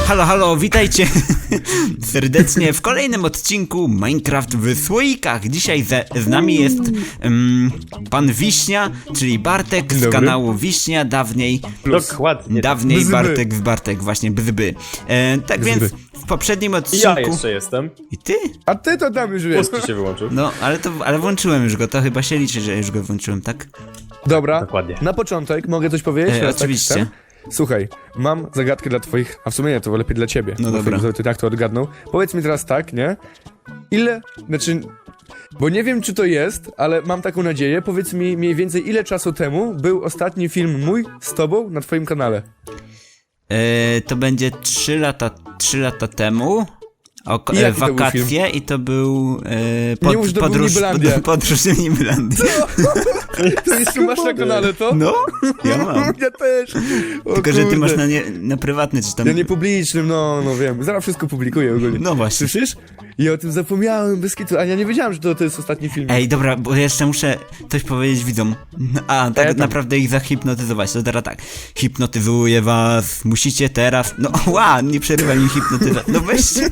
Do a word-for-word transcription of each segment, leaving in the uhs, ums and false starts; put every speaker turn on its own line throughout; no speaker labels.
Halo, halo, witajcie serdecznie w kolejnym odcinku Minecraft w słoikach. Dzisiaj ze, z nami jest um, pan Wiśnia, czyli Bartek z
Dobry.
kanału Wiśnia, dawniej
Dokładnie.
Dawniej
Bzby.
Bartek z Bartek, właśnie bzby. E, tak
Bzby.
więc w poprzednim
Ja
odcinku...
jeszcze jestem.
I ty?
A ty to tam już wiesz.
Puski się wyłączył.
No, ale to, ale włączyłem już go, to chyba się liczy, że już go włączyłem, tak?
Dobra,
Dokładnie.
na początek mogę coś powiedzieć?
E,
Teraz tak
oczywiście.
chcę? Słuchaj, mam zagadkę dla twoich, a w sumie nie, to lepiej dla ciebie.
No
bo
dobra.
Ty, ty tak to odgadnął. Powiedz mi teraz tak, nie? Ile, znaczy, bo nie wiem czy to jest, ale mam taką nadzieję, powiedz mi mniej więcej ile czasu temu był ostatni film mój z tobą na twoim kanale.
E, to będzie trzy lata, trzy lata temu. O,
I
e,
jaki to był
wakacje i to był e, pod,
Nie mów, że to był
podróż,
Nibelandia.
pod, podróż do Nibelandii.
To jeszcze masz na kanale to?
No, ja mam.
Ja też. O
Tylko, że ty
kurde.
masz na, nie, na prywatny czy tam...
Ja nie publicznym, no, no wiem. Zaraz wszystko publikuję ogólnie.
No właśnie.
Słyszysz? Ja o tym zapomniałem, bez kitu. A ja nie wiedziałem, że to, to jest ostatni film.
Ej, dobra, bo jeszcze muszę coś powiedzieć widzom. A, tak
E, tam.
naprawdę ich zahipnotyzować. To teraz tak. Hipnotyzuję was, musicie teraz... No, ła, nie przerywaj mi hipnotyzacji. No weźcie.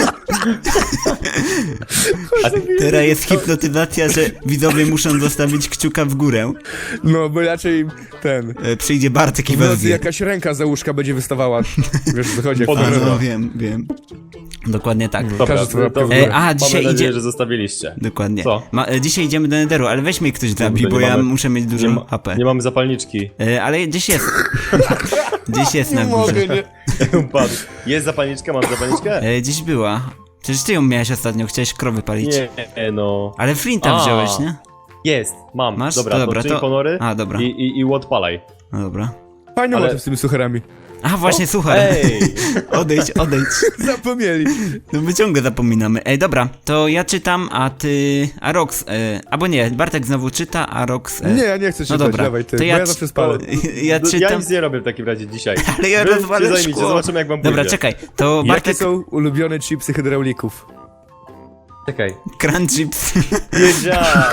Teraz jest hipnotyzacja, że widzowie muszą zostawić kciuka w górę.
No, bo raczej ten...
E, Przyjdzie Bartek i
W
was
nocy
zje.
jakaś ręka za łóżka będzie wystawała. Wiesz, co chodzi. jak
Pod
to
A,
Dobra.
no wiem, wiem. Dokładnie tak.
No.
Dobra,
Każdy sobie
to,
łapkę w
to,
górę. E, a, dzisiaj
mamy nadzieję,
idzie-
że zostawiliście.
Dokładnie.
Co?
Ma, e, dzisiaj idziemy do Netheru, ale weź mnie ktoś zabij,
nie
bo ja
mamy-
muszę mieć dużo
Nie, ma,
H P.
nie mamy zapalniczki.
E, ale gdzieś jest. Gdzieś jest na
Nie
górze.
mogę, nie.
Upadł. Jest zapalniczka? Mam zapalniczkę?
E, gdzieś była. Przecież ty ją miałeś ostatnio, chciałeś krowy palić.
Nie, no.
Ale Flinta
A.
wziąłeś, nie?
Jest, mam.
Masz?
Dobra,
Dobra,
to czyń
to-
ponory
A, dobra.
i, i, i odpalaj.
No dobra.
Fajny
Ale-
motyw z tymi sucharami.
A, właśnie, słuchaj.
Ej!
Odejdź, odejdź.
Zapomnieli.
No my ciągle zapominamy. Ej, dobra, to ja czytam, a ty... A Rox... E, albo nie, Bartek znowu czyta, a Rox... E,
Nie, ja nie chcę czytać,
dobra.
dawaj ty,
To
bo
ja
ja
c-
zawsze spalę.
Ja
No, Ja
czytam...
nic nie robię w takim razie dzisiaj.
Ale ja
Wy się
rozwalę
zajmijcie,
szkło.
zobaczymy jak wam pójdzie.
Dobra, czekaj, to
Jakie
Bartek...
są ulubione chipsy hydraulików?
Czekaj.
Crunch chips.
Wiedziałem.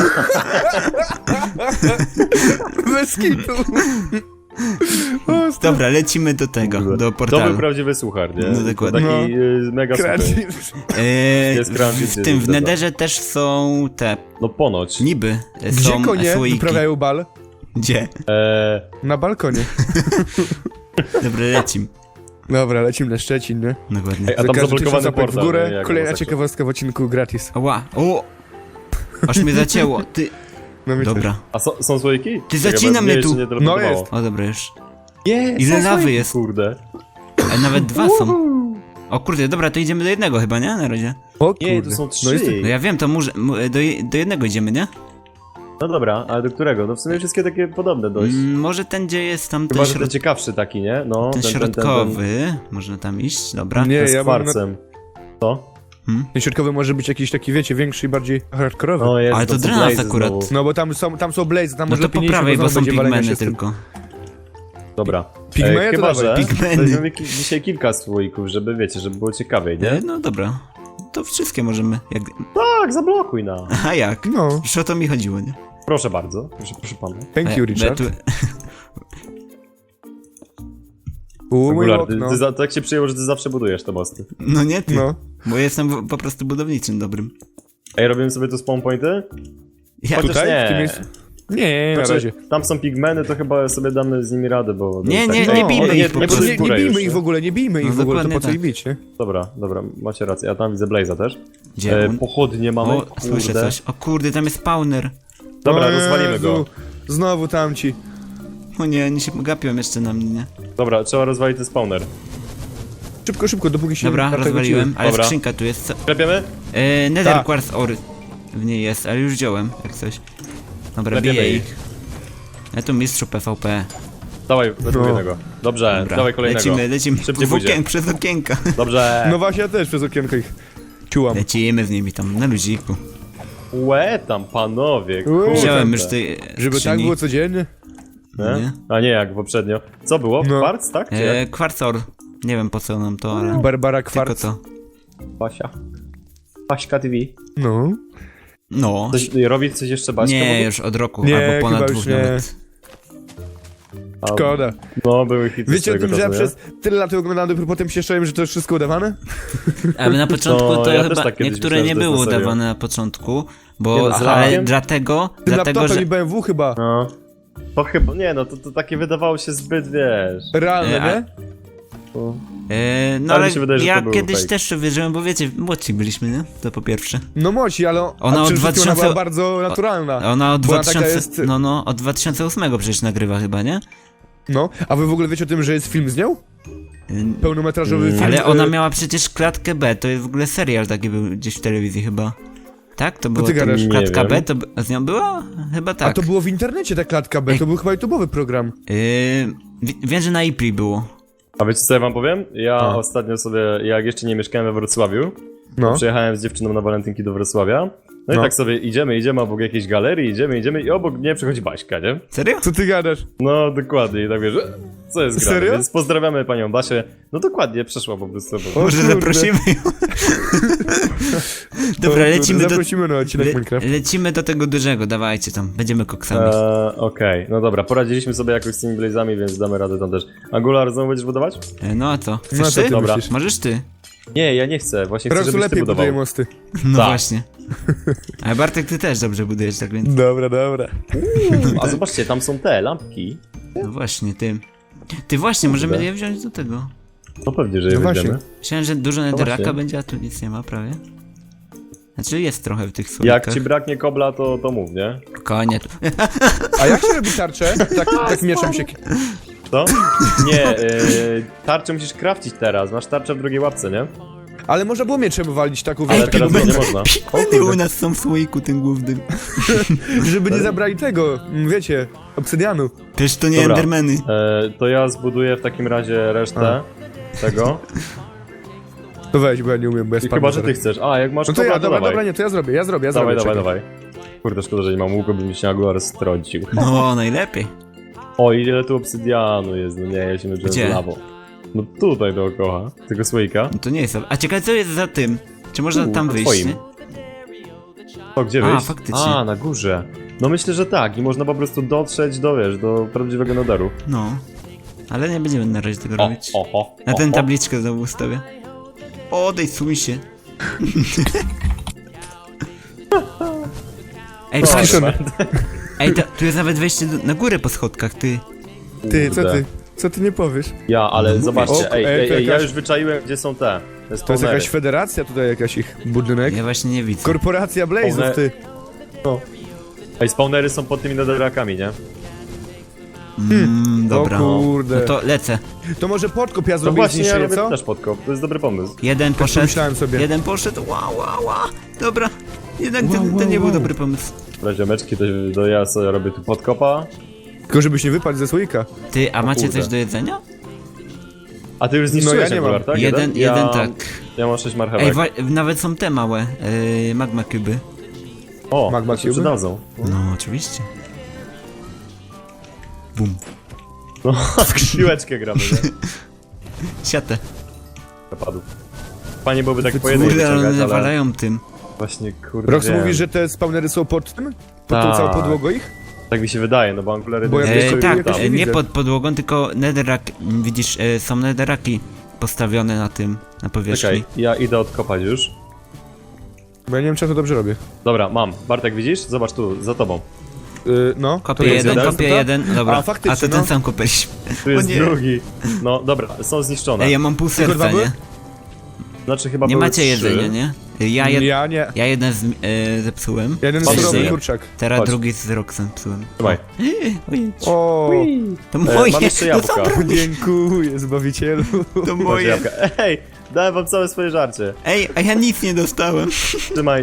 Bez kitu.
Dobra, lecimy do tego, do
To
portalu.
był prawdziwy suchar, nie?
No, dokładnie.
Taki y, mega
Crunch
suchar.
chips.
E,
Jest crunch
w,
chips,
w tym, w
jest
Netherze też są te...
No ponoć.
Niby e,
Gdzie
są
konie
słoiki.
wyprawiają bal?
Gdzie?
Eee,
Na balkonie.
Dobra, lecim.
Dobra, lecimy na Szczecin, nie?
Dokładnie.
Ej, a
Za
tam
każdy
zablokowany
tysiąc łapek
portal.
w górę,
nie? Jak
kolejna
go
ciekawostka w odcinku gratis.
Ła, o! Aż mnie zacięło, ty...
No mi
Dobra.
A są, są słoiki?
Ty
Czekaj,
zacina
bo
mnie
jeszcze
tu.
nie teleportowało.
No jest.
O, dobra już.
Jest,
Ile
są
lawy
słoiki,
jest?
Kurde.
Ale nawet dwa są. O kurde, dobra, to idziemy do jednego chyba, nie? Na razie.
O
Nie,
kurde.
to są trzy.
No jest...
No ja wiem, to może... mu- Do, je- do jednego idziemy, nie?
No dobra, ale do którego? No w sumie wszystkie takie podobne dość.
Mm, może ten, gdzie jest tam ten,
Chyba, że ten
środ...
ciekawszy taki, nie? No,
ten
ten, ten, ten, ten,
środkowy. Można tam iść, dobra.
Nie,
ten z
ja mam na...
kwarcem. Co?
Ten środkowy może być jakiś taki, wiecie, większy i bardziej hardkorowy.
No jest,
Ale to
są
dla nas
blazy
akurat.
znowu.
No bo tam są, tam są blaze, tam
No
może
to
lepiej
po
nie iść,
prawej, bo
znowu
są
będzie walenia
pigmeny
się z tym.
tylko.
Dobra.
Pigmeny
e,
to
chyba,
dawaj.
że
Pigmeny.
weźmiemy ki- dzisiaj kilka słoików, żeby wiecie, żeby było ciekawiej, nie?
E, No dobra. To wszystkie możemy. Jak...
Tak, zablokuj na.
A jak?
No,
Już o to mi chodziło, nie?
Proszę bardzo, proszę, proszę pana.
thank you,
E,
Richard.
tu...
U, mój
Regular, ty,
okno.
ty za, tak się przyjęło, że ty zawsze budujesz te mosty.
No nie ty.
No.
Bo jestem w- po prostu budowniczym dobrym.
Ej, robimy sobie tu spawn pointy?
Ja...
Chociaż
Tutaj?
nie.
W tym miejscu? Nie, na
Znaczy,
razie.
tam są pigmeny, to chyba sobie damy z nimi radę, bo...
Nie,
tak-
nie,
tak-
nie bijmy
no,
ich po
nie,
prostu.
Nie, nie
górę
bijmy
już,
ich w ogóle, nie bijmy
No
ich w ogóle, to
dokładnie
po co
tak.
ich bić, nie?
Dobra, dobra, macie rację, ja tam widzę Blaze'a też.
Gdzie
E,
on?
pochodnie mamy,
O,
kurde.
słyszę coś. O kurde, tam jest spawner.
Dobra,
O
rozwalimy go.
Jezu, Znowu tamci.
O nie, oni się gapią jeszcze na mnie, nie?
Dobra, trzeba rozwalić ten spawner.
Szybko, szybko, dopóki się
Dobra,
na tego
rozwaliłem,
ciły.
ale
Dobra.
skrzynka tu jest. Co?
Klepiemy?
E, Nether
Tak.
Quartz Ore w niej jest, ale już wziąłem, jak coś. Dobra,
Klepiemy
biję
ich.
ich. Ja tu mistrzu P V P.
Dawaj, weźmy
No.
jednego. Dobrze,
Dobra,
dawaj kolejnego.
lecimy, lecimy.
Szybciej
W
pójdzie.
okien, przez okienka.
Dobrze.
No właśnie, ja też przez okienko ich ciułam.
Lecimy z nimi tam, na luziku.
Łe tam, panowie,
Łe.
kurde.
Wziąłem już tej
Żeby tak
skrzyni.
było codziennie.
Nie?
Nie?
A nie, jak poprzednio. Co było?
No.
Kwarc, tak? Czy
E,
jak?
Quartz Ore. Nie wiem po co nam to, ale
Barbara
tylko
Kwarc.
to.
Basia. Baśka T V.
No.
No.
Coś, robić coś jeszcze Baśka?
Nie,
może?
już od roku,
Nie,
albo ponad
chyba
dwóch
już nie.
nawet.
A,
Szkoda.
No, były hity
Wiecie o
swojego
tym, że ja
czasu, nie?
przez tyle lat oglądałem, dopiero potem się szczerzyłem, że to jest wszystko udawane?
Ale na początku
No,
to
ja też
chyba
tak kiedyś
niektóre
myślałem,
nie
że to jest
było
na serio.
udawane na początku,
Nie
bo
no, z
ale
lakiem?
dlatego,
Tym
dlatego,
laptopem
że
i B M W chyba.
No. To chyba, nie no, to, to takie wydawało się zbyt, wiesz...
Realne,
E, a-
nie?
To...
e, no
Ale mi
ale
się wydaje, że
ja
to był
kiedyś
fake.
też wierzyłem, bo wiecie, młodsi byliśmy, nie? To po pierwsze.
No moci, ale
Ona
ona,
od
ona
dwa tysiące
była bardzo naturalna.
Ona od
Bo ona taka
dwa tysiące,
jest-
no no, od dwa tysiące ósmego przecież nagrywa chyba, nie?
No, a wy w ogóle wiecie o tym, że jest film z nią?
Y,
Pełnometrażowy
Mm.
film.
Ale
e,
ona miała przecież klatkę B, to jest w ogóle serial taki był gdzieś w telewizji chyba. Tak? To było
ty
to-
gadasz?
klatka
Nie
B,
wiem.
to b- z nią była? Chyba
A
tak.
to było w internecie ta klatka B,
Ej.
to był chyba YouTube'owy program.
Yy, wi- wiem, że na Ipli było.
A wiecie co ja wam powiem? Ja
A.
ostatnio sobie, jak jeszcze nie mieszkałem we Wrocławiu,
No.
przyjechałem z dziewczyną na walentynki do Wrocławia, no,
No.
i tak sobie idziemy, idziemy obok jakiejś galerii, idziemy, idziemy i obok mnie przychodzi Baśka, nie?
Serio?
Co ty gadasz?
No dokładnie, i tak wiesz, co jest grane,
Serio?
więc pozdrawiamy panią Basię. No dokładnie, przeszła po prostu. Bo...
O
Może
kurde.
zaprosimy ją. Dobra,
O,
lecimy
kurde,
do,
Zaprosimy na odcinek
le,
Minecraft.
lecimy do tego dużego, dawajcie tam, będziemy koksami.
Eee, Okej, no dobra, poradziliśmy sobie jakoś z tymi blazami, więc damy radę tam też. Angular znowu będziesz budować?
E, No a co? Chcesz
No a co
ty?
ty
Dobra.
myślisz?
Możesz ty.
Nie, ja nie chcę, właśnie
Po
chcę,
prostu
żebyś ty
lepiej
budował.
buduje mosty.
No
Tak.
właśnie. Ale Bartek, ty też dobrze budujesz, tak więc.
Dobra, dobra.
A zobaczcie, tam są te lampki.
No właśnie, ty. Ty właśnie, możemy
Kurde.
je wziąć do tego.
No pewnie, że je
No właśnie.
weźmiemy.
Myślałem, że dużo netherraka
właśnie.
będzie, a tu nic nie ma prawie. Znaczy jest trochę w tych słoikach.
Jak ci braknie kobla, to, to mów, nie?
Konie.
A jak się robi tarczę? Tak, tak mieczem się...
Co? Nie, yy, tarczę musisz crafcić teraz, masz tarczę w drugiej łapce, nie?
Ale można było mieczem walić taką
Ale
wielką,
teraz to nie można.
Pigmeny u nas są w słoiku tym głównym.
żeby nie zabrali tego, m, wiecie, obsydianu.
Też to nie
Dobra.
endermeny.
E, to ja zbuduję w takim razie resztę tego.
To weź, bo ja nie umiem, bo ja
I
spadnę
chyba, że
zaraz.
ty chcesz. A, jak masz
No to
kobla,
ja,
to
dobra,
dawaj.
dobra, nie, to ja zrobię, ja zrobię, ja zrobię.
Dawaj, dawaj,
czekaj.
dawaj. Kurde, szkoda, że nie mam łuku, by mi się Angular strącił.
No, najlepiej.
O, ile tu obsydianu jest, no nie, ja się męczyłem
Gdzie?
z lawą. No tutaj dookoła, tego słoika.
No to nie jest. A ciekawe, co jest za tym? Czy można
Tu,
tam
na
wyjść?
twoim.
nie?
O, gdzie
A,
wyjść?
faktycznie.
A, na górze. No myślę, że tak i można po prostu dotrzeć do, wiesz, do prawdziwego nadaru.
No. Ale nie będziemy na razie tego
O,
robić.
oho,
Na ten
oho.
tabliczkę znowu ustawię. Odejsuj się. Ej, patrz,
Skiszony.
ej, to, tu jest nawet wejście do, na górę po schodkach, ty.
Ty, co
Kurde.
ty? Co ty nie powiesz?
Ja, ale zobaczcie,
O,
ej,
ej,
ej,
to
ej, ja
jakaś-
już wyczaiłem, gdzie są te. Te
To jest
spawnery.
jakaś federacja tutaj, jakaś ich budynek.
Ja właśnie nie widzę.
Korporacja Blazów,
One-
ty.
Ej, spawnery są pod tymi nadarakami, nie?
Mm, dobra.
O kurde.
No to lecę.
To może podkop ja
No
zrobię i
właśnie, ja
zniszczę je,
robię
co?
też podkop, to jest dobry pomysł.
Jeden poszedł.
pomyślałem sobie.
Jeden poszedł. Ła, ła, ła. Dobra. Jednak
Wow,
ten,
wow,
ten nie był
wow.
dobry pomysł.
Dobra, ziomeczki, to, to ja sobie robię tu podkopa.
Tylko żebyś nie wypadł ze słoika.
Ty, a macie
kurde.
coś do jedzenia?
A ty już zniszczyłeś
No ja nie
Angular,
mam.
tak?
Jeden,
ja,
jeden tak.
Ja mam sześć marchewek.
Ej, wa- nawet są te małe yy, magma cuby.
o,
Magma
to się
Cube?
przydadzą.
No, oczywiście. Bum.
No, w piłeczkę gramy, nie?
Siatę.
Napadł. Fajnie byłoby tak po
Kurde,
jednej
Kurde, ale
wyciągać,
one
ale
nawalają tym.
właśnie, kurde,
Rox
wiem.
mówi, że te spawnery są pod tym? Pod tą
Tak.
całą podłogą ich?
Tak mi się wydaje, no bo Angulary...
Bo ja
nie-
wiesz,
E,
co,
tak,
jakoś
e,
nie
nie
widzę.
pod podłogą, tylko netherrack, widzisz, e, są netherraki postawione na tym, na powierzchni.
Czekaj, ja idę odkopać już.
Bo ja nie wiem, czy ja to dobrze robię.
Dobra, mam. Bartek, widzisz? Zobacz tu, za tobą.
Yy, no.
Kopię
to jest
jeden,
jeden,
kopię
to?
jeden, dobra.
A, faktycznie,
A to
no.
ten sam kopaliśmy.
Tu jest
nie.
drugi. No, dobra, są zniszczone.
Ej, ja mam pół
Tylko dwa
serca,
były?
nie?
Znaczy chyba
Nie
były
macie
trzy.
jedzenia, nie? Ja, jed...
Ja nie.
ja jeden z, e, zepsułem.
Jeden
Patrz,
surowy
nie.
kurczak.
Teraz
Chodź.
drugi z Roxem psułem.
Trzymaj.
Ojej,
O,
to
E,
moje,
mam jeszcze
to
jabłka.
zabrał-
dziękuję, Zbawicielu.
to
Masz
moje.
jabłka. Ej, dałem wam całe swoje żarcie.
Ej, a ja nic nie dostałem.
Trzymaj.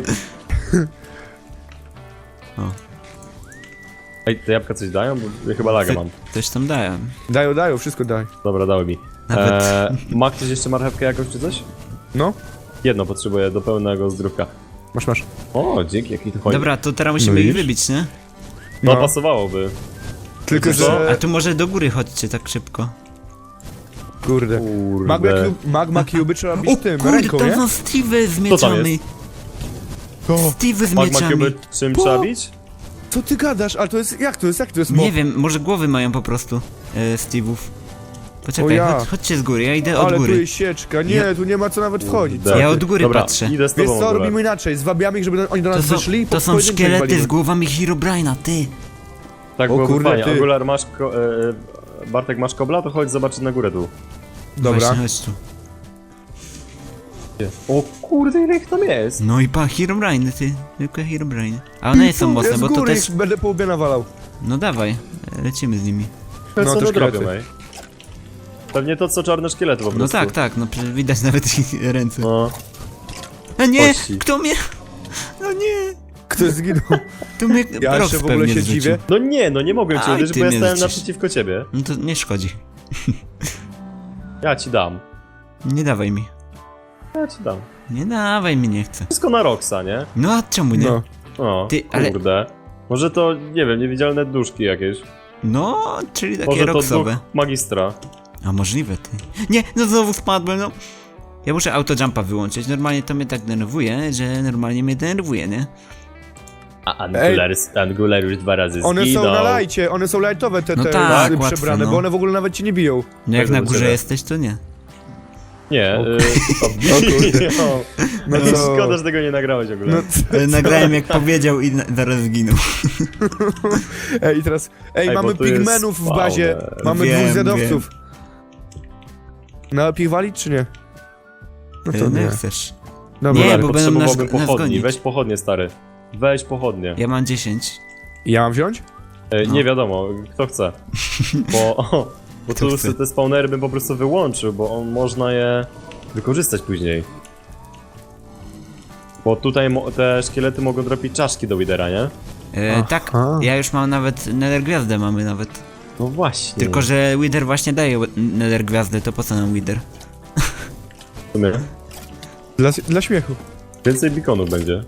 O.
Ej, te jabłka coś dają? Bo ja chyba laga mam.
Coś tam dałem.
Dają, dają, wszystko daj.
Dobra, dały mi.
Nawet-
E, ma ktoś jeszcze marchewkę jakąś czy coś?
No,
Jedno potrzebuję do pełnego zdrówka.
masz, masz.
O, dzięki, jaki to chodzi.
Dobra, to teraz musimy
No
ich
widzisz?
wybić, nie?
No,
No.
pasowałoby.
Tylko,
Co?
A
że...
tu może do góry chodźcie tak szybko.
Kurde.
Kurde.
Magma, cube, magma cube trzeba bić tym,
kurde,
ręką,
tam
nie?
są Steve z
Co tam
mieczami.
jest?
To,
Steve z
Magma
mieczami.
Cube czym
Po-
trzeba bić?
co Co ty gadasz? Ale to jest, jak to jest, jak to jest mob?
Nie wiem, może głowy mają po prostu e, Steve'ów.
O
Poczekaj,
ja.
chodź, chodźcie z góry, ja idę od
Ale tu
góry.
jest sieczka, nie,
Ja-
tu nie ma co nawet wchodzić.
Kurde.
Ja od góry
Dobra,
patrzę.
idę z
Wiesz
tobą w
co,
ogóle.
robimy inaczej, zwabiamy ich, żeby oni do
To
nas
są,
wyszli i
to
po
są
pojedynczej
szkielety
walimy.
z głowami Herobrine'a, ty!
Tak
O
byłoby
kurde,
fajnie.
ty.
Angular, masz ko e, e, Bartek, masz kobla? To chodź zobaczyć na górę tu.
Dobra.
Właśnie, chodź tu.
O kurde, ile ich tam jest?
No i pa, Herobrine, ty. Tylko Herobrine. A one nie są mocne,
Ja z
bo to
góry
też...
ich będę po łbie nawalał.
No dawaj, lecimy z nimi.
No,
No,
co
to
one
szkielety.
robią, ej? Pewnie to, co czarne szkielety po prostu.
No tak, tak, no przecież widać nawet ich ręce.
No.
A nie!
Kości.
Kto mnie... No nie!
Kto zginął?
Tu mnie
Ja
Rox
jeszcze w ogóle
pewnie
się
zrzucił.
dziwię.
No nie, no nie mogłem cię
Aj,
uderzyć,
ty
bo ja
mnie
stałem
zrzucisz.
naprzeciwko ciebie.
No to nie szkodzi.
Ja ci dam.
Nie dawaj mi.
Ja ci dam.
Nie dawaj mi, nie chcę.
Wszystko na Roxa, nie?
No a czemu nie?
No.
O,
Ty, ale-
kurde. Może to, nie wiem, niewidzialne duszki jakieś.
No, czyli takie
Może to
Roxowe.
duch magistra.
A możliwe, ty. Nie, no znowu spadłem, no. Ja muszę autojumpa wyłączyć. Normalnie to mnie tak denerwuje, że normalnie mnie denerwuje, nie?
A Angular, Angular już dwa razy
One
zginął.
są na lajcie, one są lajtowe te,
No
te
tak,
y,
łatwe,
przebrane,
no.
bo one w ogóle nawet cię nie biją.
No jak
Tak,
na
do
górze
ciebie.
jesteś, to nie.
Nie,
O
y,
kurde.
o,
No
no
to-
szkoda, że tego nie nagrałeś w ogóle.
No,
Ale nagrałem jak powiedział i na, zaraz zginął.
ej, i teraz, ej,
Ej,
mamy
bo to jest
pigmenów w bazie,
spawner.
mamy
Wiem,
dwóch zedowców. No, pich walić czy nie? No to
No
nie.
jak chcesz.
Dobra,
Nie,
Ale
bo będą nas,
potrzebowałbym
nas
pochodni,
gonić.
weź pochodnie, stary. Weź pochodnie.
Ja mam dziesięć.
ja mam wziąć?
E,
No.
Nie wiadomo, kto chce. Bo, bo
Kto
tu
chce?
te spawnery bym po prostu wyłączył, bo on można je wykorzystać później. Bo tutaj mo- te szkielety mogą dropić czaszki do Widera, nie?
E, tak,
Aha.
ja już mam nawet Nether Gwiazdę mamy nawet.
No właśnie.
Tylko, że Wither właśnie daje Nether Gwiazdę, to po co nam Wither?
W sumie
Dla, dla śmiechu.
więcej beaconów będzie.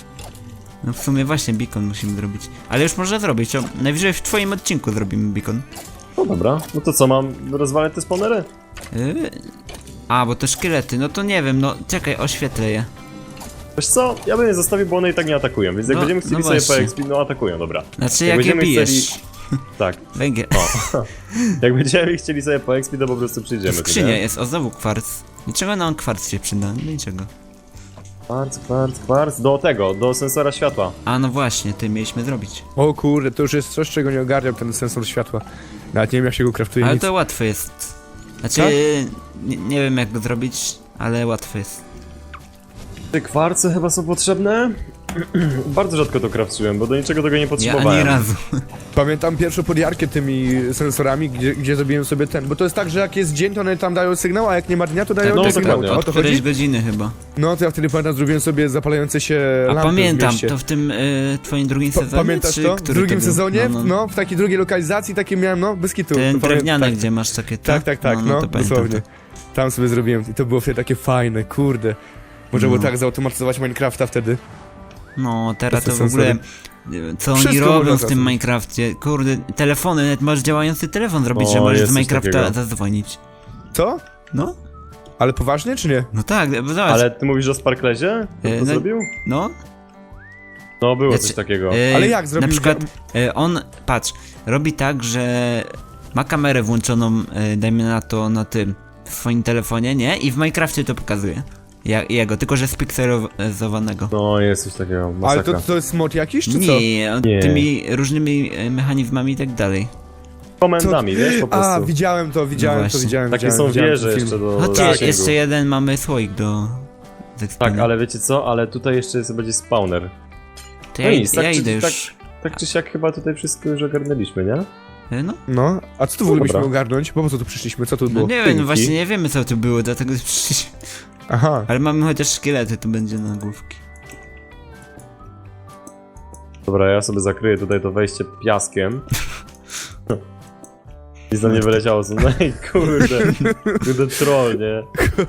No w sumie właśnie beacon musimy zrobić. Ale już można zrobić, to najwyżej w twoim odcinku zrobimy beacon.
No dobra, no to co, mam rozwalać te spawnery?
Yy... A, bo to szkielety, no to nie wiem, no czekaj, oświetlę je.
Wiesz co, ja bym je zostawił, bo one i tak nie atakują, więc jak
No,
będziemy chcieli
no
sobie
właśnie.
poexpić, no atakują, dobra.
Znaczy
Jak
jak, je
będziemy
bijesz.
chcieli- Tak,
Węgiel.
o. Jak będziemy chcieli sobie poexpić, to po prostu przyjdziemy. tu,
Skrzynia
nie?
jest, o znowu kwarc. Niczego nam kwarc się przyda, no niczego.
Kwarc, kwarc, kwarc, do tego, do sensora światła.
A no właśnie, ty mieliśmy zrobić.
O kurde, to już jest coś, czego nie ogarniam, ten sensor światła. Nawet nie wiem, jak się go kraftuje,
Ale
nic.
to łatwe jest. Znaczy,
Tak?
nie, nie wiem jak go zrobić, ale łatwe jest.
Te kwarce chyba są potrzebne? Bardzo rzadko to craftułem, bo do niczego tego nie
Ja
potrzebowałem.
ani razu.
Pamiętam pierwszą podjarkę tymi sensorami, gdzie, gdzie zrobiłem sobie ten, bo to jest tak, że jak jest dzień, to one tam dają sygnał, a jak nie ma dnia, to dają
no,
ten
tak,
sygnał.
dokładnie.
O
Od
to
którejś
chodzi?
godziny chyba.
No to ja wtedy pamiętam, zrobiłem sobie zapalające się
A
lampy w
pamiętam,
mieście.
to w tym y, twoim drugim
Pa-
sezonie?
Pamiętasz
czy
to? W
który
drugim
to był?
sezonie,
No,
no,
no.
w takiej drugiej lokalizacji takie miałem, no, bez kitu.
Ten
To pamię-
drewniany,
tak,
gdzie masz takie...
Tak, tak, tak, no,
to pamiętam
dosłownie.
to.
Tam sobie zrobiłem i to było wtedy takie fajne, kurde. Można było
No.
tak zautomatyzować Minecrafta wtedy.
No, teraz
To
to
są
w ogóle...
sensory.
Co oni
Wszystko
robią
można
w tym
zrobić.
Minecrafcie? Kurde, telefony, nawet możesz działający telefon zrobić,
O,
że możesz
jest
z
coś
Minecrafta
takiego.
zadzwonić.
Co?
No,
Ale poważnie, czy nie?
no tak, bo zobacz.
Ale ty mówisz o Sparklezie? Kto
E,
to
no-
zrobił?
No,
No, było
Znaczy,
coś takiego.
e,
Ale jak zrobił?
Na przykład e, on, patrz, robi tak, że ma kamerę włączoną, e, dajmy na to, na tym, w swoim telefonie, nie? I w Minecrafcie to pokazuje. Ja, jego, tylko że spikselowanego.
No, jest coś takiego,
Ale
masakra.
to, to jest mod jakiś, czy co?
Nie, on
Nie.
tymi różnymi e, mechanizmami i tak dalej.
Komendami, wiesz, po prostu.
A, widziałem to, widziałem
No
to,
właśnie.
widziałem,
Takie
widziałem,
są
widziałem
wieże
ten
jeszcze
film.
do
Chodźcie,
zasięgu.
jeszcze jeden mamy słoik do zekspienia.
Tak, ale wiecie co? Ale tutaj jeszcze jest, będzie spawner.
To
No
ja,
nic,
ja
tak czy-
idę już.
tak- Tak czy siak chyba tutaj wszystko już ogarnęliśmy, nie?
E, No,
No, a co tu w ogóle
Dobra.
mieliśmy ogarnąć? Bo po co tu przyszliśmy? Co tu
no
było?
nie wiem,
Tynki.
no właśnie nie wiemy co tu było, dlatego przyszliśmy.
Aha.
Ale mamy chociaż szkielety, to będzie na główki.
Dobra, ja sobie zakryję tutaj to wejście piaskiem. Nic nam nie wyleciało, co? No i kurde. Kurde troll, nie?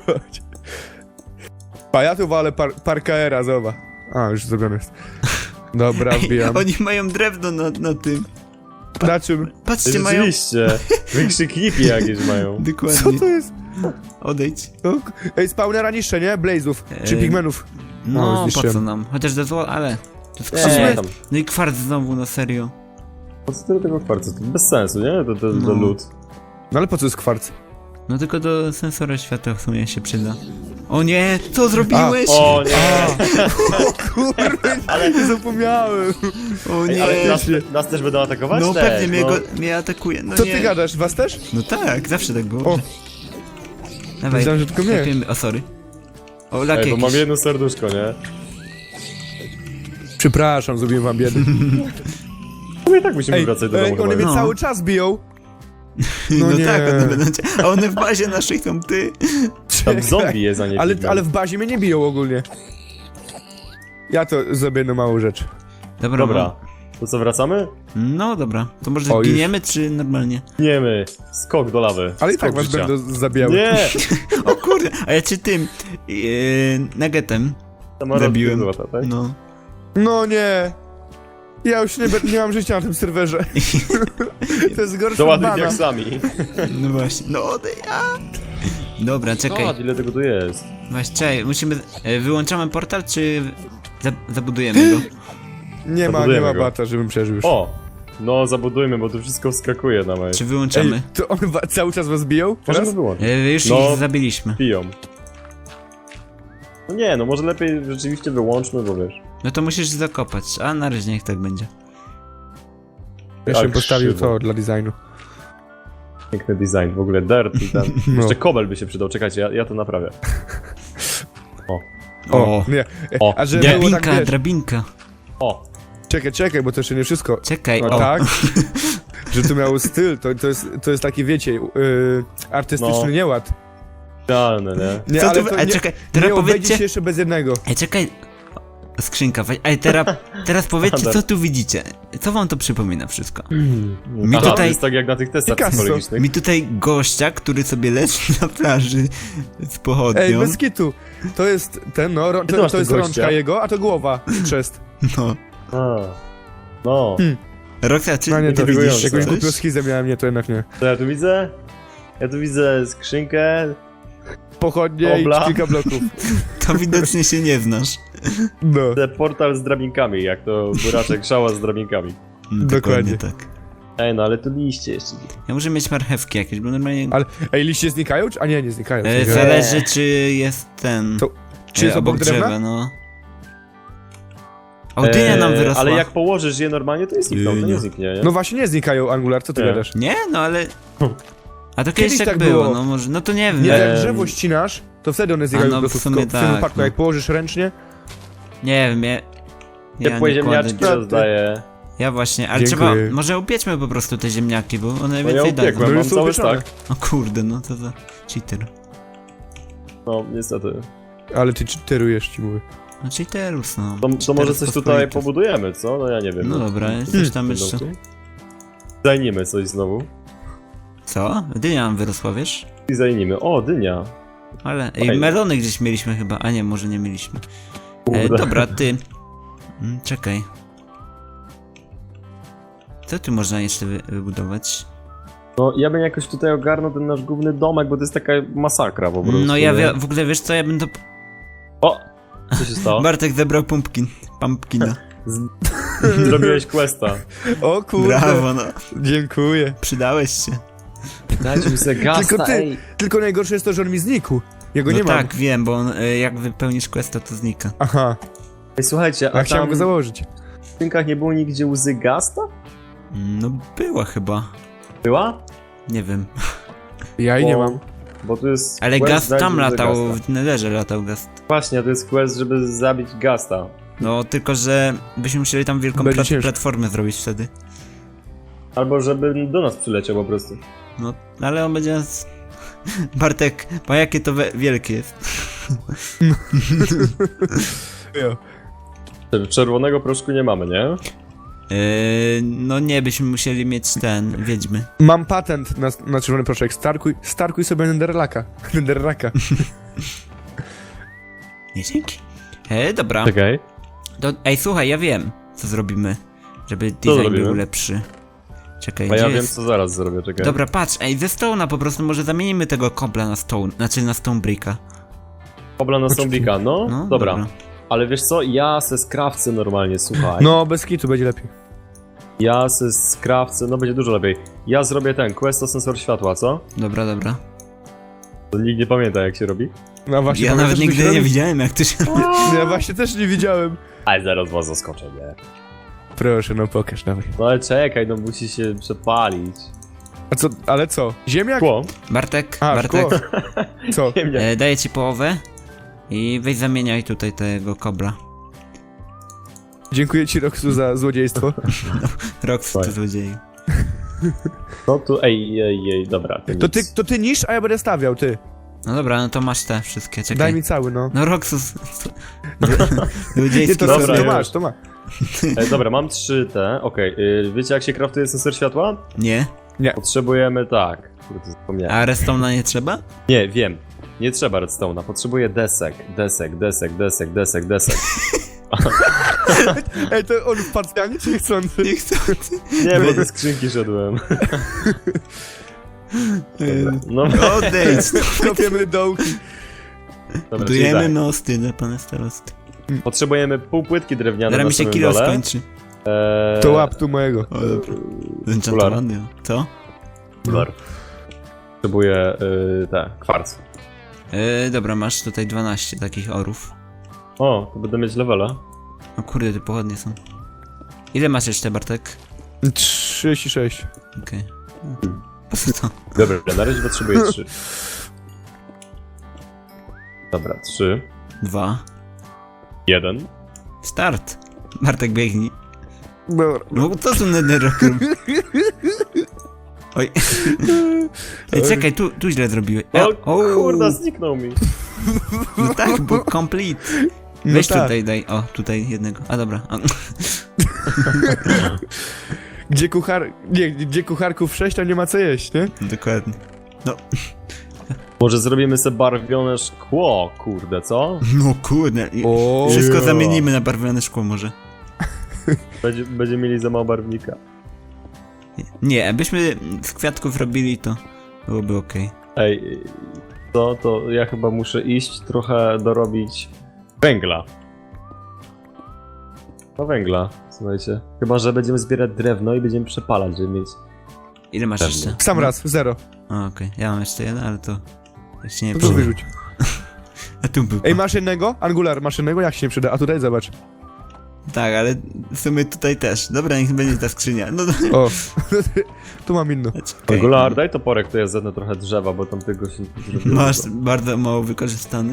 A ja tu walę par parkaera, zobacz. A, już zrobione jest. Dobra, wbijam.
Oni mają drewno na, na tym.
Na czym?
Patrzcie, mają...
Rzeczywiście. Wykrzykniki jakieś mają.
Co
Dokładnie.
to jest?
Odejdź.
O, Ej, spawnera niszcze, nie? Blazów. Czy
Ej.
pigmenów.
No,
O,
po
zniszczyłem.
co nam? Chociaż do zło, ale... To
Nie,
skrzynia.
tam.
No i kwarc znowu, no serio.
Po co tyle tego kwarcu? To bez sensu, nie? To, to, to
No.
lód.
No ale po co jest kwarc?
No tylko do sensora światła w sumie się przyda. O nie, co zrobiłeś?
O nie!
Kurde, ale nie zapomniałem.
O
Ej,
nie.
ale nas, nas też będą atakować?
No
Też,
pewnie mnie,
no.
go, mnie atakuje, no
Co
nie.
ty gadasz, was też?
No tak, zawsze tak było.
O,
Dawaj,
myślałem, że tylko mnie.
klepiemy- o sorry. O, lak
Ej, bo
jakiś.
mam jedno serduszko, nie?
Przepraszam, zrobiłem wam biedę.
No i tak musimy
Ej,
wracać do
ej,
domu
one
chyba.
mnie
No.
cały czas biją.
No,
No nie.
tak, one będą cię... A one w bazie naszej są ty.
Tam zombie jest, a nie
Ale,
pigmen.
ale w bazie mnie nie biją ogólnie. Ja to zrobię jedną małą rzecz.
Dobra.
Dobra. To co, wracamy?
No dobra, to może
O, już.
zginiemy, czy normalnie?
Nie my. Skok do lawy.
Ale i
Skok
tak was
życia.
będą zabijały.
Nie!
O kurde, a ja cię tym, yy, nuggetem
Samolot
zabiłem.
złota, tak?
No.
No nie. Ja już nie, be- nie mam życia na tym serwerze. To jest gorsze od
Doładuj
bana.
diaksami.
No właśnie, no ode ja. Dobra, czekaj,
O, ile tego tu jest?
właśnie, czekaj, musimy, e, wyłączamy portal, czy za, zabudujemy go?
Nie ma, nie
Zabudujemy
ma
go.
bata, żebym przeżył już.
O! No, zabudujmy, bo tu wszystko wskakuje na mnie.
Czy wyłączamy?
Ej, to on wa- cały czas was biją?
Możemy
Teraz?
wyłączyć.
E, już
No.
ich zabiliśmy.
Piją. No nie, no może lepiej rzeczywiście wyłączmy, bo wiesz.
No to musisz zakopać, a na razie niech tak będzie.
Jeszcze bym
Tak
postawił
krzywo.
to dla designu.
Piękny design, w ogóle dirt i ten.
No.
Jeszcze kobel by się przydał, czekajcie, ja, ja to naprawię. O,
O, nie. E,
O,
A że było
Drabinka,
tak, wiesz,
drabinka.
o,
czekaj, czekaj, bo to jeszcze nie wszystko.
Czekaj,
No
o.
tak, że to miało styl, to, to, jest, to jest taki, wiecie, yy, artystyczny
No.
nieład.
idealne, nie?
Nie,
Co
ale
tu,
to
a
nie,
czekaj, teraz
nie obejdzie
powiedzcie...
się jeszcze bez jednego.
Ej, czekaj. Skrzynka, weź- ej, teraz, teraz powiedzcie,
Standard.
co tu widzicie. Co wam to przypomina wszystko? Mi
Aha, to
tutaj-
jest tak jak na tych testach
Picasso.
psychologicznych.
Mi tutaj gościa, który sobie leży na plaży z pochodnią.
Ej, bez kitu. To jest ten, no, ro,
Ty
to,
masz
to jest
tego
rączka
gościa?
jego, a to głowa. Chrzest.
No.
A, no,
Hmm.
Roxa, czy
No nie,
ty
to
widzisz
intrygujące.
Jakąś
coś?
głupią schizę miałem, nie, to jednak nie.
to ja tu widzę? Ja tu widzę skrzynkę.
Pochodnie
Obla.
i kilka bloków.
To widocznie się nie znasz.
No.
Widzę portal z drabinkami, jak to buraczek szała z drabinkami.
Dokładnie.
tak.
Ej, no ale tu liście jeszcze.
Ja muszę mieć marchewki jakieś, bo normalnie...
Ale, ej, liście znikają? Czy- A nie, nie znikają.
E,
znikają.
zależy, czy jest ten...
To- Czy jest
e,
obok drewna?
drzewa, no. O, dynia nam
Eee,
wyrosła.
Ale jak położysz je normalnie, to jest znikną, to nie
Dynia.
zniknie, nie?
No właśnie nie znikają, Angular, co ty
Nie.
gadasz?
Nie, no ale... A to kiedyś,
Kiedyś
tak
tak
było,
było.
no może... No to nie wiem.
Nie,
e,
jak
Eee.
drzewo ścinasz, to wtedy one znikają
A, no,
po
w
prostu.
sumie
w tym
tak,
wypadku,
no.
jak położysz ręcznie,
Nie wiem, ja... Ja
Ciepłe
nie
ziemniaczki
kładę...
rozdaję.
Ja właśnie, ale
Dziękuję.
trzeba... Może upieczmy po prostu te ziemniaki, bo one
No ja
więcej dadzą.
upiekłem,
No
mam
już są
cały
upieczone.
stak.
O kurde, no to za cheater.
No, niestety.
ale ty czyterujesz, ci mówię.
No cheaterus, no.
To, to
Cheaterus
może coś tutaj
pospolitych.
pobudujemy, co? No ja nie wiem.
No dobra, coś tam jeszcze...
Dajnijmy coś znowu.
Co? Dynia nam wyrosła, wiesz?
I zajnijmy. O, dynia.
Ale... Ej,
Fajnie.
melony gdzieś mieliśmy chyba, a nie, może nie mieliśmy. E,
Kurde.
dobra, ty... Mm, czekaj. Co tu można jeszcze wy wybudować?
No ja bym jakoś tutaj ogarnął ten nasz główny domek, bo to jest taka masakra po prostu.
No ja
nie?
wie, w ogóle wiesz co, ja bym to...
O! Co się stało?
Bartek zebrał pumpkin. Pumpkina.
Z... Zrobiłeś questa.
O kurde,
Brawo, no.
dziękuję.
Przydałeś się.
Dajcie mi sobie gasta,
Tylko ty.
ej.
Tylko najgorsze jest to, że on mi znikł. Jego
No
nie mam.
tak, wiem, bo on, y, jak wypełnisz questa, to znika.
Aha,
Ej, słuchajcie,
a
a
chciałem
tam
go założyć.
w skrzynkach nie było nigdzie łzy gasta?
No była chyba.
Była?
Nie wiem.
Ja i nie
Bo-
mam.
Bo tu jest
Ale
quest
gast
znaleźć
tam
łzy
latał,
Gasta.
w Netherze latał gast.
Właśnie, to jest quest, żeby zabić gasta.
No tylko, że byśmy musieli tam wielką
Będzie
plat
ciężko.
platformę zrobić wtedy.
Albo żeby do nas przyleciał po prostu.
No, ale on będzie nas... Bartek, po jakie to we- wielkie jest.
Jo.
Czerwonego proszku nie mamy, nie?
Yy, no nie, byśmy musieli mieć ten, wiedźmy.
Mam patent na, na czerwony proszek. Starkuj, starkuj sobie Netherlaka. Netherlaka.
Nie, dzięki. E, dobra.
Czekaj.
To, ej, słuchaj, ja wiem, co zrobimy, żeby design
zrobimy?
był lepszy. Czekaj,
A
gdzie
ja wiem,
jest?
co zaraz zrobię, czekaj.
Dobra, patrz, ej, ze Stone'a po prostu może zamienimy tego kobla na Stone, znaczy na Stone Bricka.
Obla na Stonebricka, no?
No,
dobra. Ale wiesz co, ja se skrawcę normalnie, słuchaj.
No, bez kitu będzie lepiej.
Ja se skrawcę, no będzie dużo lepiej. Ja zrobię ten, quest o sensor światła, co?
Dobra, dobra.
To nikt nie pamięta jak się robi.
No właśnie,
Ja
pamiętasz,
nawet
co się
nigdy nie
robi?
widziałem, jak to się robi.
Ja właśnie też nie widziałem.
Ale zaraz was zaskoczę, nie?
Proszę, no pokaż, dawaj.
No ale czekaj, no musi się przepalić.
A co, ale co? Ziemniak?
Szkło?
Bartek,
A,
Bartek,
szkło. Co?
Nie, nie.
e, daję ci połowę i weź zamieniaj tutaj tego kobra.
Dziękuję ci, Roxu, za złodziejstwo.
Rox,
Fajnie.
to złodzieju.
No tu, ej, ej, ej, dobra.
To
nic.
ty, to ty niż, a ja będę stawiał, ty.
No dobra, no to masz te wszystkie, czekaj.
Daj mi cały, no.
No Roxus.
Nie,
Ludziejski
to,
Dobra,
to, to
już.
masz, to masz.
E, dobra, mam trzy te, okej. y, Wiecie jak się kraftuje sensor światła?
Nie?
Potrzebujemy tak. Kurde, zapomniałem.
A redstone'a nie trzeba?
Nie, wiem. Nie trzeba redstone'a, potrzebuję desek, desek, desek, desek, desek, desek.
Ej, to on specjalnie czy niechcący?
Nie chcę.
Nie, bo ze skrzynki szedłem. Dobra, no,
Odejdź.
Kopiemy dołki.
dobra, czyli
Budujemy
tak.
mosty dla pana starosty.
Potrzebujemy pół płytki drewniane
Zaraz
na
mi się
samym
kilo
dole.
skończy.
Eee,
To łap tu mojego.
O, dobra. Zenchantowany. Co?
Dolar. Potrzebuję y, te, kwarc.
Yy, dobra, masz tutaj dwanaście takich orów.
O, to będę mieć levela.
O kurde, te pochodnie są. Ile masz jeszcze, Bartek?
trzydzieści sześć.
Okej. Po co to?
Dobra, na razie potrzebuję trzy. Dobra, trzy.
Dwa.
Jeden.
Start. Bartek, biegnij.
Dobra.
No co tu netherrockiem? Oj. Ej, czekaj, tu, tu źle zrobiłeś.
O, kurda, zniknął mi.
No tak, bo complete.
No
Weź
tak.
tutaj, daj. O, tutaj jednego. A dobra. A,
Gdzie kuchar... Nie, gdzie kucharków sześć, tam nie ma co jeść, nie?
dokładnie.
Może zrobimy sobie barwione szkło, kurde, co?
No kurde. i-
O,
Wszystko
yeah.
zamienimy na barwione szkło może.
Będzie, będziemy mieli za mało barwnika.
Nie, abyśmy z kwiatków robili to byłoby okej.
Ej, to, to ja chyba muszę iść trochę dorobić węgla. No węgla, słuchajcie. Chyba, że będziemy zbierać drewno i będziemy przepalać, żeby mieć...
Ile masz
Pewnie.
jeszcze?
Sam raz, zero.
O, okej. Ja mam jeszcze jeden, ale to... Tak się nie
To tu
przyda.
wyrzuć.
A tu był.
Ej, masz jednego? Angular, masz jednego? Jak się nie przyda? A tutaj zobacz.
Tak, ale w sumie tutaj też. Dobra, niech będzie ta skrzynia. No, no.
O, tu mam inną.
czekaj.
Angular, daj toporek, to ja zetnę trochę drzewa, bo tam tego się nie zrobiło.
Masz bardzo mało wykorzystany.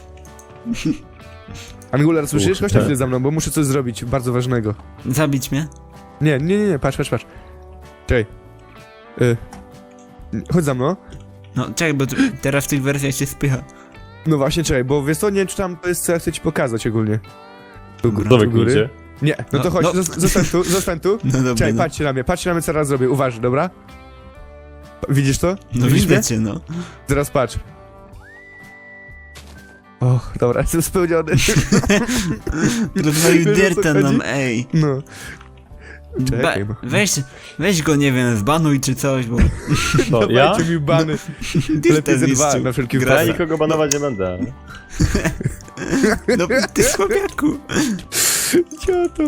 Angular, słyszysz? Chodź
Kurde.
na chwilę za mną, bo muszę coś zrobić bardzo ważnego.
Zabić mnie?
Nie, nie, nie, nie, patrz, patrz, patrz. Czekaj. Y. Chodź za mną.
No, czekaj, bo tu, teraz w tych wersjach się spycha.
No właśnie, czekaj, bo wiesz co, nie wiem, czy tam to jest co ja chcę ci pokazać ogólnie. Tu,
Dobra.
Co
tu
wy kminicie?
Nie, no to
No,
chodź,
no.
zos- zostań tu, zostań tu.
No dobra,
Czekaj,
no.
patrzcie na mnie, patrzcie na mnie, co teraz zrobię, uważaj, dobra? Widzisz to?
No
Widzisz mnie?
widzę cię, no.
Zaraz patrz. Och, dobra, jestem spełniony.
Rozwalił
Wiesz, o co
dirta
chodzi?
nam, ej.
No.
Ba
Czekaj, no.
weź, weź go, nie wiem, zbanuj czy coś, bo
To ja?
Dawajcie mi bany.
dirta
Lepiej ze dwa,
zniszczył.
na wszelki
Ja
wypadek.
nikogo banować nie będę.
No, ty słabiaku.
Cioto.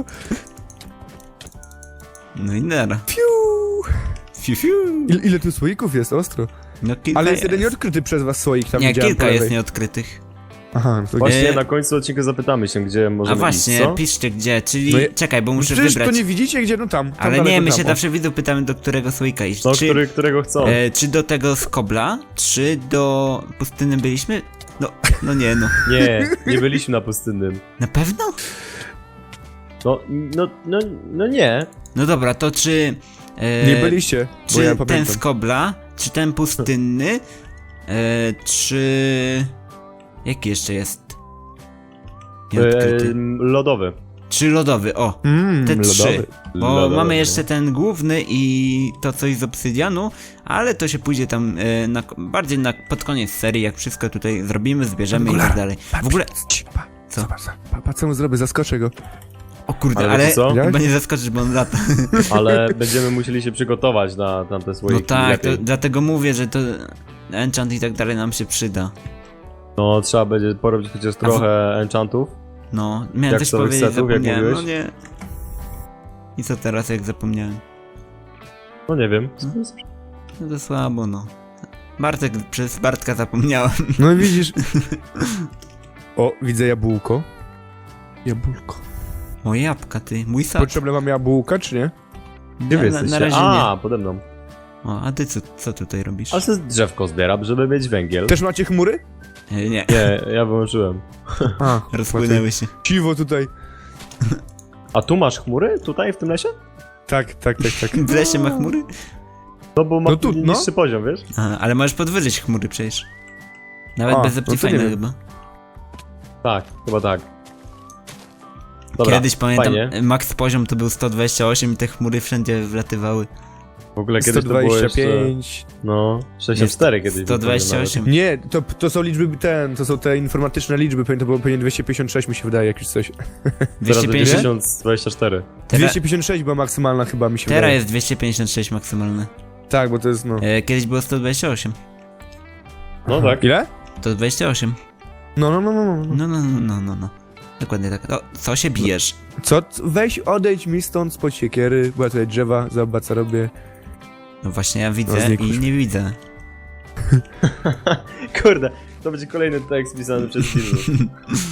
No i nara.
Piu.
Fiu, fiu.
Ile, ile tu słoików jest, ostro.
No kilka
Ale jest jeden nieodkryty przez was słoik, tam
Nie,
widziałem
kilka
po
jest
lewej.
nieodkrytych.
Aha, no to
Właśnie
E,
na końcu odcinka zapytamy się, gdzie
A
możemy
właśnie,
iść, co?
piszcie gdzie, czyli...
No ja-
Czekaj, bo muszę
Przecież
wybrać.
to nie widzicie, gdzie, no tam. tam
Ale
daleko
nie, my
tam,
się
o.
zawsze widzów pytamy, do którego słoika iść.
No,
czy,
który, którego chcą.
e, czy do tego z kobla, czy do pustyny byliśmy? No, no nie, no.
Nie, nie byliśmy na pustynnym.
Na pewno?
No, no, no, no nie.
No dobra, to czy... E,
Nie byliście, bo
Czy
ja
ten
pamiętam.
z kobla, czy ten pustynny, e, czy... Jaki jeszcze jest? Nieodkryty.
Ehm, lodowy.
Czy lodowy, o.
Mmm,
Te trzy.
lodowy.
Bo
Lodowy.
mamy jeszcze ten główny i to coś z obsydianu, ale to się pójdzie tam e, na, bardziej na, pod koniec serii, jak wszystko tutaj zrobimy, zbierzemy i
Angular,
tak dalej. W ogóle...
Cii, pa,
Co?
Zobacz, pa, pa, co mu zrobię, zaskoczę go.
O kurde,
Ale
ale,
wiecie co?
chyba nie zaskoczysz, bo on lata.
Ale będziemy musieli się przygotować na tamte
No
słoiki.
tak, to,
lepiej.
dlatego mówię, że to enchant i tak dalej nam się przyda.
No, trzeba będzie porobić chociaż trochę enchantów.
No, miałem
Jak
coś
to
powiedzieć,
setów, jak
zapomniałem, no
mówiłeś?
nie. I co teraz, jak zapomniałem?
No nie wiem.
No to słabo, no. Bartek, przez Bartka zapomniałem.
No i widzisz. O, widzę jabłko. Jabłko.
O, jabłka, ty, mój sad.
Potrzebne mam jabłka, czy nie?
Gdzie wy
na, na
jesteście?
razie
A, pode mną.
nie. O, a ty co, co tutaj robisz?
Ale sobie drzewko zbieram, żeby mieć węgiel.
Też macie chmury?
E, nie,
Nie, ja wyłączyłem.
A,
rozpłynęły się.
Ciwo tutaj.
A tu masz chmury? Tutaj, w tym lesie?
Tak, tak, tak, tak.
W lesie ma chmury?
No bo ma
No tu, no.
niższy poziom, wiesz?
A, ale możesz podwyżyć chmury przecież. Nawet
A,
bez
no to nie
Optifine'a
wiem.
chyba.
Tak, chyba tak. Dobra,
Kiedyś pamiętam,
fajnie.
max poziom to był sto dwadzieścia osiem i te chmury wszędzie wlatywały.
W ogóle
sto
kiedyś to było jeszcze...
dwadzieścia pięć.
No, sześćdziesiąt cztery kiedyś. był
sto dwadzieścia
poziom
osiem.
Nie, to, to są liczby ten, to są te informatyczne liczby, pewnie to było pewnie dwieście pięćdziesiąt sześć mi się wydaje, jakieś coś.
nawet.
dwieście
Teraz
pięćdziesiąt?
tysiąc dwadzieścia cztery.
Teraz,
dwieście pięćdziesiąt sześć była maksymalna chyba mi się
teraz
wydaje.
jest dwieście pięćdziesiąt sześć maksymalne.
Tak, bo to jest no.
E, kiedyś było sto dwadzieścia osiem.
No tak.
Ile?
sto dwadzieścia osiem.
No, no, no, no, no.
No, no, no, no, no, no. Dokładnie tak. O, co się bijesz?
Co? Weź odejdź mi stąd spod siekiery, bo ja tutaj drzewa, zobacz co robię.
No właśnie ja
No,
widzę
znikłeś.
i nie widzę.
Kurde, to będzie kolejny tekst pisany przez Disney.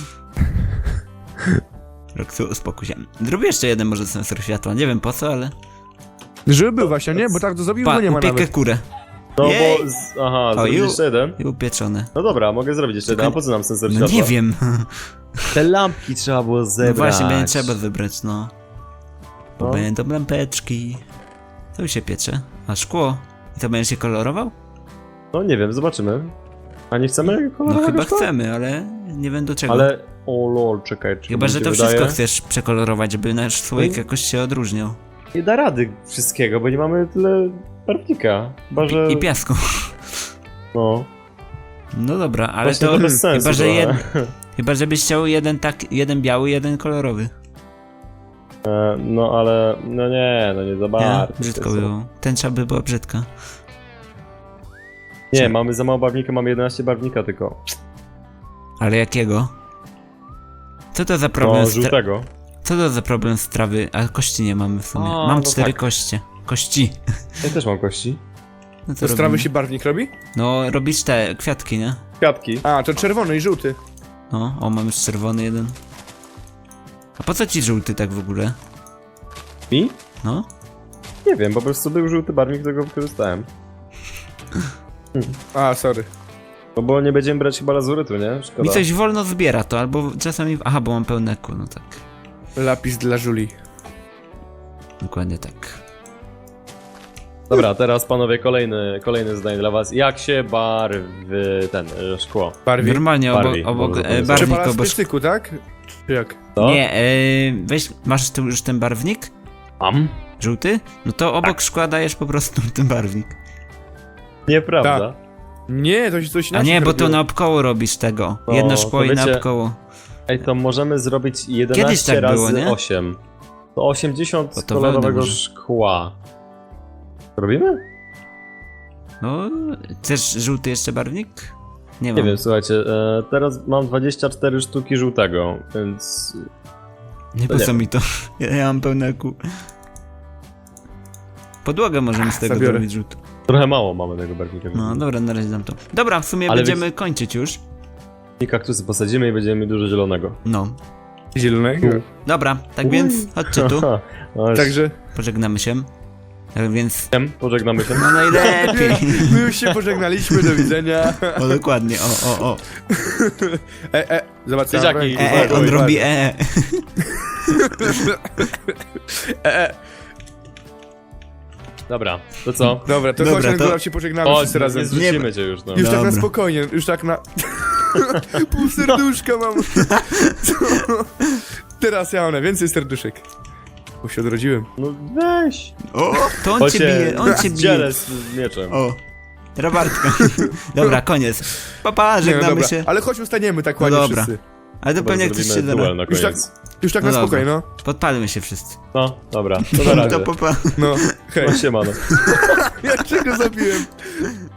Roxu, uspokój się. Zrobię jeszcze jeden może sensor światła, nie wiem po co, ale...
Żeby był właśnie, nie? Bo tak to zrobił,
Pa,
bo nie ma
upiekę
nawet.
kurę.
No
Jej.
bo... Z... Aha,
O,
zrobić
ju.
jeszcze jeden?
I upieczone.
No dobra, mogę zrobić jeszcze jeden, a po co nam sensor
No
światła?
nie wiem.
Te lampki trzeba było zebrać.
No właśnie, będzie trzeba zebrać, no. Bo
No.
będą lampeczki. Co już się piecze? A szkło? I to będziesz się kolorował?
No nie wiem, zobaczymy. A nie chcemy
No
kolorować
chyba
szkła?
chcemy, ale nie wiem do czego.
Ale... O lol, czekaj, czy
Chyba,
mi
że
się
to
wydaje?
wszystko chcesz przekolorować, żeby nasz słoik
No.
jakoś się odróżniał.
Nie da rady wszystkiego, bo nie mamy tyle barwnika. Chyba, że...
I piasku.
No.
No dobra, ale
Właśnie
to...
to bez sensu
chyba, że
trochę.
jed... chyba, żebyś chciał jeden tak, jeden biały, jeden kolorowy.
E, no ale... No nie, no nie za
Nie?
bardzo.
Brzydko
To są-
było. Tęcza by była brzydka.
Nie, mamy za mało barwnika, mamy jedenaście barwnika tylko.
Ale jakiego? Co to za problem
No,
z tra...
żółtego.
Co to za problem z trawy? A kości nie mamy w sumie.
A,
Mam
no
cztery
tak.
kości. Kości.
Ja też mam kości.
No co
To z trawy
robimy?
się barwnik robi?
No, robisz te kwiatki, nie?
Kwiatki.
A, to czerwony i żółty.
No, o, mam już czerwony jeden. A po co ci żółty tak w ogóle?
Mi?
No?
Nie wiem, po prostu był żółty barwnik, którego wykorzystałem.
A, sorry.
No bo nie będziemy brać chyba lazurytu, nie? Szkoda.
Mi coś wolno zbiera to, albo czasami... Aha, bo mam pełne kół, no tak.
Lapis dla Julii.
Dokładnie tak.
Dobra, teraz panowie, kolejny, kolejne zdanie dla was. Jak się barwy ten, e, szkło?
Barwi.
Normalnie obok,
Barwi,
obok
może
e,
powiedzieć.
barwnik
Trzeba
obok...
z styku, tak? Czy jak?
Co?
Nie, e, weź, masz tu już ten barwnik?
Am?
Żółty? No to obok
Tak.
szkła dajesz po prostu ten barwnik.
Nieprawda.
Nie, to się coś
A
inaczej
nie, bo to
robiło.
naokoło robisz tego.
No,
Jedno
to
szkło i
wiecie-
naokoło.
Ej, to możemy zrobić
Kiedyś
jedenaście
tak
razy
było, nie?
osiem. To osiemdziesiąt
Bo to
kolorowego
wełny może.
szkła. Robimy?
No, chcesz żółty jeszcze barwnik? Nie
Nie
mam.
wiem, słuchajcie, e, teraz mam dwadzieścia cztery sztuki żółtego, więc...
Nie po
nie
co
wiem.
mi to? Ja, ja mam pełne kół. Podłogę możemy z tego
zabiorę.
zrobić żółtą.
Trochę mało mamy tego barwnika.
No dobra, na razie dam to. Dobra, w sumie
Ale
będziemy kończyć już.
I kaktusy posadzimy i będziemy mieli dużo zielonego.
No.
Zielonego.
Dobra, tak więc chodźcie tu.
No,
Także
Pożegnamy się. Tak więc...
Wiem, pożegnamy się.
No najlepiej.
my już się pożegnaliśmy, do widzenia.
O, dokładnie, o, o, o.
E, e, zobacz co
Dzieciaki,
mam w ręku.
E, e, on
Oj,
robi
oj.
e.
E, e.
Dobra, to co?
Dobra, to
Dobra,
chodź,
to-
to... się pożegnamy
O,
wszyscy
nie
razem.
zrzucimy cię już, no.
Już tak na
Dobra.
spokojnie, już tak na... Pół serduszka mam. Co? Teraz ja mam więcej serduszek. Bo się odrodziłem.
No weź!
O, to on cię bije, on cię bije.
Dzielę z z mieczem.
O, Robartka. Dobra, koniec. Papa,
Nie, no
żegnamy
dobra,
się.
ale chodź ustaniemy tak
No
ładnie
dobra.
wszyscy.
Ale to
Dobra,
pewnie ktoś się
zrobimy duel
da.
na
Już tak,
koniec.
już tak
No
na
dobra.
spokojnie, no.
Podpalmy się wszyscy.
No, dobra, to na razie.
To papa.
No, hej.
No siemano.
Ja czego zabiłem?